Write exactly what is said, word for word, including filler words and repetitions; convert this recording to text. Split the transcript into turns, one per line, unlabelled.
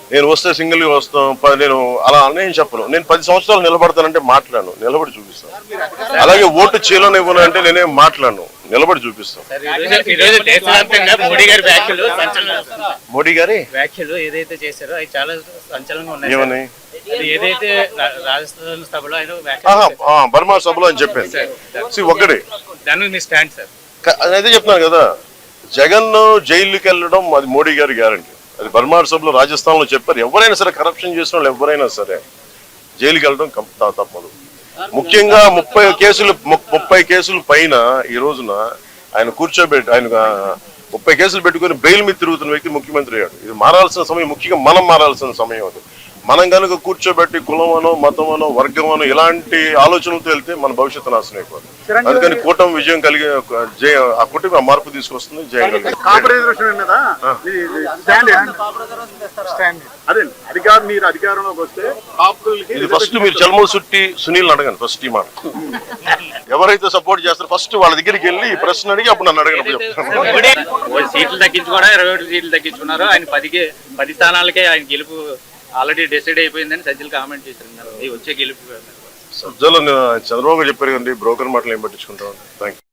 నేను వస్తే సింగిల్గా వస్తాం నేను అలా నేను చెప్పను. నేను పది సంవత్సరాలు నిలబడతానంటే మాట్లాడను, నిలబడి చూపిస్తాను. అలాగే ఓటు చేయలోనే ఇవ్వను అంటే నేనేం మాట్లాడను, నిలబడి చూపిస్తాను.
మోడీ గారి వ్యాఖ్యలు
మోడీ గారి
వ్యాఖ్యలు ఏదైతే చేశారో అవి చాలా సంచలనంగా ఉన్నాయి.
ఏమని?
ఏదైతే రాజస్థాన్ సభలో ఆయన
బర్మా సభలో అని చెప్పాను ఒక్కడే.
దాని మీ స్టాండ్ సార్?
అదే చెప్తున్నాను కదా, జగన్ జైలుకి వెళ్ళడం అది మోడీ గారి గ్యారంటీ. అది బర్మార్ సభలో రాజస్థాన్ లో చెప్పారు. ఎవరైనా సరే కరప్షన్ చేసిన వాళ్ళు ఎవరైనా సరే జైలుకి వెళ్ళడం తప్పదు. ముఖ్యంగా ముప్పై కేసులు ముప్పై కేసుల పైన ఈ రోజున ఆయన కూర్చోబెట్టి ఆయన ముప్పై కేసులు పెట్టుకుని బెయిల్ మీద తిరుగుతున్న వ్యక్తి ముఖ్యమంత్రి అయ్యాడు. ఇది మారాల్సిన సమయం, ముఖ్యంగా మనం మారాల్సిన సమయం అది. మనం కనుక కూర్చోబెట్టి కులమనో మతమనో వర్గమనో ఇలాంటి ఆలోచనలతో వెళ్తే మన భవిష్యత్తు నాశనం అయిపోతుంది. అందుకని కూటమి విజయం కలిగి ఆ కూటమి ఆ మార్పు తీసుకొస్తుంది, జయం కలిగి. ఇది ఫస్ట్ మీరు చల్మూరు సుట్టి సునీల్ అడగండి. ఫస్ట్ ఈ మాట ఎవరైతే సపోర్ట్ చేస్తారో ఫస్ట్ వాళ్ళ దగ్గరికి వెళ్ళి ఈ ప్రశ్న అడిగి అప్పుడు నన్ను అడగండి.
సీట్లు తగ్గించుకోవడం, ఇరవై ఒకటి సీట్లు తగ్గించుకున్నారు. ఆయన పదికి పది స్థానాలకే ఆయన గెలుపు ఆల్రెడీ డిసైడ్ అయిపోయిందని సజ్జలు కామెంట్ చేశారు. వచ్చే గెలుపు
సజ్జలు చంద్రబాబు చెప్పారు కదండి, బ్రోకర్ మాటలు ఏం పట్టించుకుంటాం. Thank you.